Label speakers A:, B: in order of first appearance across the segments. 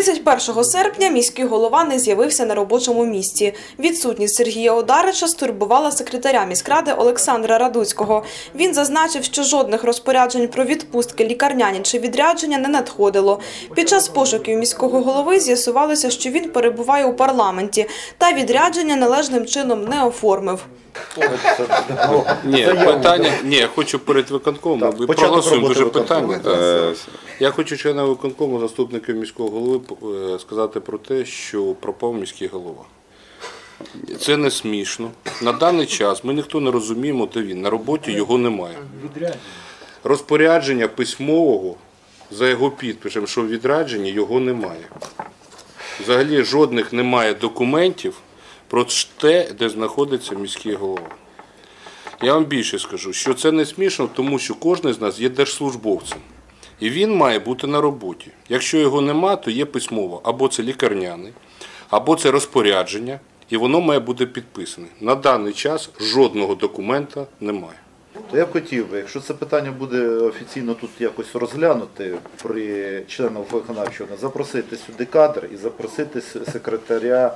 A: 31 серпня міський голова не з'явився на робочому місці. Відсутність Сергія Одарича стурбувала секретаря міськради Олександра Радуцького. Він зазначив, що жодних розпоряджень про відпустки, лікарняні чи відрядження не надходило. Під час пошуків міського голови з'ясувалося, що він перебуває у парламенті та відрядження належним чином не оформив.
B: Я хочу перед виконкомом, ви проголосуємо дуже питання. Я хочу членам виконкому, заступників міського голови сказати про те, що пропав міський голова. Це не смішно. На даний час ми ніхто не розуміємо, де він. На роботі його немає. Розпорядження письмового за його підписом, що в відрядженні його немає. Взагалі жодних немає документів про те, де знаходиться міський голова. Я вам більше скажу, що це не смішно, тому що кожен з нас є держслужбовцем. І він має бути на роботі. Якщо його нема, то є письмово. Або це лікарняний, або це розпорядження, і воно має бути підписане. На даний час жодного документа немає.
C: То я б хотів би, якщо це питання буде офіційно тут якось розглянути при членах виконавчого, запросити сюди кадр і запросити секретаря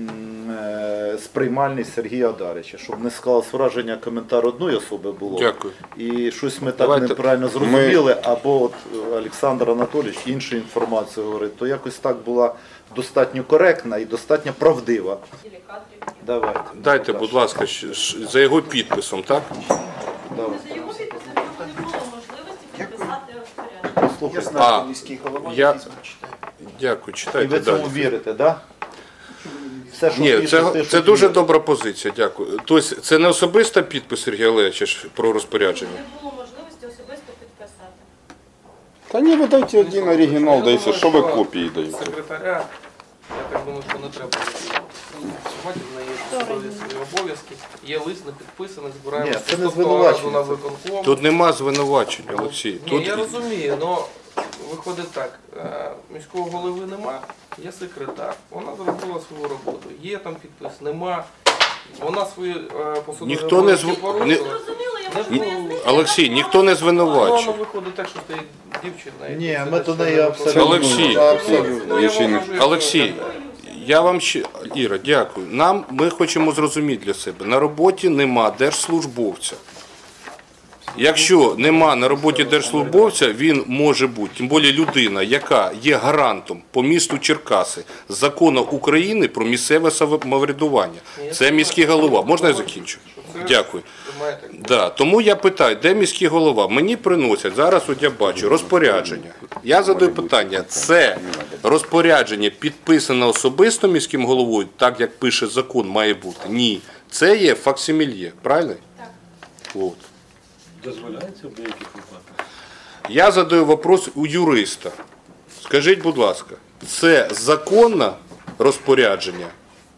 C: з приймальні Сергія Одарича, щоб не склалось враження, коментар одної особи було.
B: Дякую.
C: І щось ми так неправильно зрозуміли, або от Олександр Анатолійович іншу інформацію говорить, то якось так була достатньо коректна і достатньо правдива. Давайте.
B: Дайте, будь ласка, за його підписом, так?
C: Давайте.
D: За його підписом не було можливості підписати розпорядження.
C: Послухайте.
E: міський голова,
B: Дякую,
C: І
B: читайте
C: ви
B: далі.
C: цьому вірите, так? Да?
B: Ні, це дуже добра позиція, дякую. Тобто це не особиста підпис Сергія Олеговича про розпорядження?
D: Не було можливості особисто підписати.
F: Та ні, ви дайте один оригінал, дайте, що ви копії даєте?
E: Секретаря, я так думаю, що не треба. Сьогодні в неї є свої обов'язки, є лист не підписаний, збираємо
C: Ні, це не
E: наступного разу
C: звинувачення.
E: на виконком.
B: Тут нема звинувачень, Олексій.
E: Ні, я розумію, але виходить так, міського голови нема, є секретар, вона зробила свою роботу, є там підпис, нема, вона свої посадові
B: Ніхто не
E: порушила.
D: Зрозуміло, я можу пояснити.
B: Олексій, ніхто не звинувачує.
E: Воно виходить так, що стоїть дівчина.
C: Ні, ми до неї абсолютно.
B: Олексій.
F: Абсолютно.
B: Олексій, я вам ще, Іра, дякую. Ми хочемо зрозуміти для себе, на роботі нема держслужбовця. Якщо нема на роботі держслужбовця, він може бути, тим більше людина, яка є гарантом по місту Черкаси Закону України про місцеве самоврядування. Це міський голова. Можна я закінчу? Дякую. Да. Тому я питаю, де міський голова? Мені приносять, зараз от я бачу, розпорядження. Я задаю питання, це розпорядження підписане особисто міським головою, так як пише закон, має бути? Ні. Це є факсимільє, правильно?
D: Так.
B: От.
G: Дозволяється в деяких випадках?
B: Я задаю вопрос у юриста. Скажіть, будь ласка, це законне розпорядження?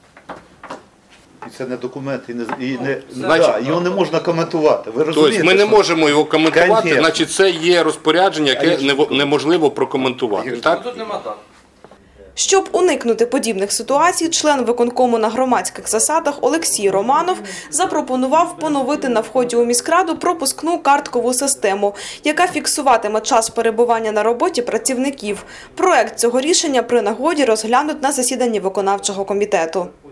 C: І це не документ,
B: Значить,
C: його не можна коментувати. Ви розумієте?
B: Тобто ми не
C: що-
B: можемо його коментувати,
C: Конечно.
B: значить це є розпорядження, яке неможливо прокоментувати. Так?
E: Тут нема так.
A: Щоб уникнути подібних ситуацій, член виконкому на громадських засадах Олексій Романов запропонував поновити на вході у міськраду пропускну карткову систему, яка фіксуватиме час перебування на роботі працівників. Проект цього рішення при нагоді розглянуть на засіданні виконавчого комітету.